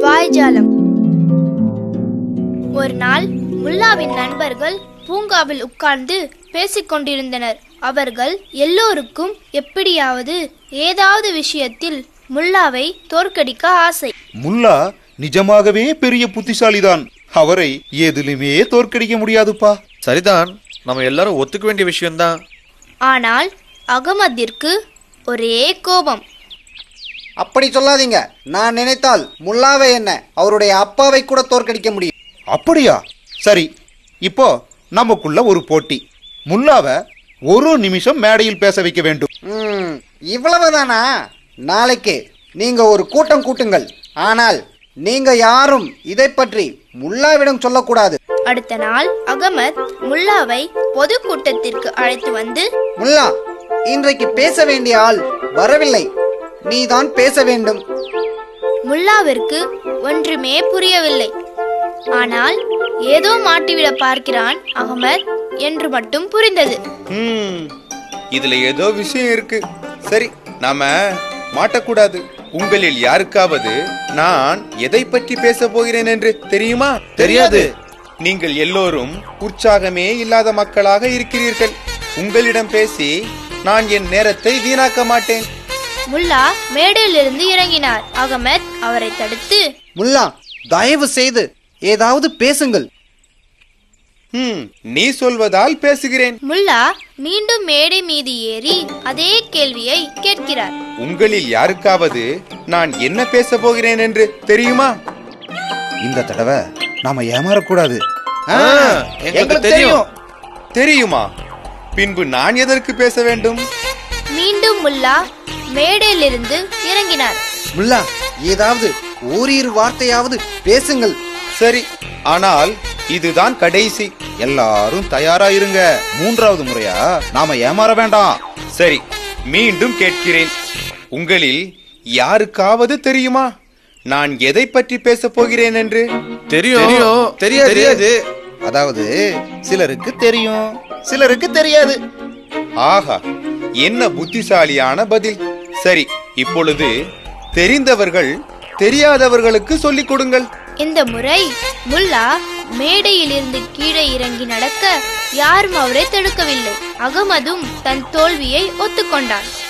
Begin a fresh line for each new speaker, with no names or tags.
வாய்ஜாலம். ஒரு நாள் முல்லாவின் நண்பர்கள் பூங்காவில் உட்கார்ந்து பேசிக் கொண்டிருந்தனர். அவர்கள் எல்லோருக்கும் எப்படியாவது ஏதாவது விஷயத்தில் முல்லாவை தோற்கடிக்க ஆசை.
முல்லா நிஜமாகவே பெரிய புத்திசாலிதான். அவரை எதிலுமே தோற்கடிக்க முடியாதுப்பா.
சரிதான், நம்ம எல்லாரும் ஒத்துக்க வேண்டிய விஷயம்தான்.
ஆனால் அகமதிற்கு ஒரே கோபம்.
அப்படி சொல்லாதீங்க. நான் நினைத்தால் முல்லாவை என்ன அவருடைய அப்பாவை கூட தோற்கடிக்க முடியும்.
அப்படியா? சரி, இப்போ நமக்குள்ள ஒரு போட்டி. முல்லாவை ஒரு நிமிஷம் மேடையில் பேச வைக்க வேண்டும்.
இவ்வளவுதானா? நாளைக்கு நீங்க ஒரு கூட்டம் கூட்டுங்கள். ஆனால் நீங்க யாரும் இதை பற்றி முல்லாவிடம் சொல்லக்கூடாது.
அடுத்த நாள் அகமத் முல்லாவை பொது கூட்டத்திற்கு அழைத்து வந்து,
முல்லா, இன்றைக்கு பேச வேண்டிய ஆள் வரவில்லை, நீதான் பேச வேண்டும்.
முல்லாவிற்கு ஒன்றுமே புரியவில்லை. ஆனால் ஏதோ மாட்டிவிட பார்க்கிறான் அகமத் என்று மட்டும் புரிந்தது.
இதுல ஏதோ விஷயம் இருக்கு. சரி, நாம மாட்டக்கூடாது. உங்களில் யாருக்காவது நான் எதை பற்றி பேச போகிறேன் என்று தெரியுமா?
தெரியாது.
நீங்கள் எல்லோரும் உற்சாகமே இல்லாத மக்களாக இருக்கிறீர்கள். உங்களிடம் பேசி நான் என் நேரத்தை வீணாக்க மாட்டேன்.
முல்லா மேடையிலிருந்து இறங்கினார். அகமத் அவரை தடுத்து,
முல்லா, தயவு செய்து ஏதாவது பேசுங்கள்.
நீ சொல்வதால் பேசுகிறேன்.
முல்லா மீண்டும் மேடை மீது ஏறி அதே கேள்வியை கேட்கிறார்.
உங்களில் யாருக்காவது நான் என்ன பேச போகிறேன் என்று தெரியுமா?
இந்த தடவை நாம ஏமாறக்கூடாது.
எங்களுக்கு தெரியும்.
தெரியுமா? பின்பு நான் எதற்கு பேச வேண்டும்?
மீண்டும் முல்லா மேடையிலிருந்து இறங்கினார்.
முல்லா, ஏதாவது ஓரிரு வார்த்தையாவது பேசுங்கள்.
சரி, ஆனால் இதுதான் கடைசி.
எல்லாரும் தயாரா இருங்க. மூன்றாவது முறையா நாம ஏமாற வேண்டாம்.
சரி, மீண்டும் கேட்கிறேன். உங்களில் யாருக்காவது தெரியுமா நான் எதை பற்றி பேச போகிறேன் என்று?
தெரியும். தெரியாது.
அதாவது சிலருக்கு தெரியும், சிலருக்கு தெரியாது.
ஆஹா, என்ன புத்திசாலியான பதில். சரி, இப்பொழுது தெரிந்தவர்கள் தெரியாதவர்களுக்கு சொல்லிக் கொடுங்கள்.
இந்த முறை முல்லா மேடையிலிருந்து கீழே இறங்கி நடக்க யாரும் அவரை தடுக்கவில்லை. அகமதும் தன் தோல்வியை ஒத்துக்கொண்டான்.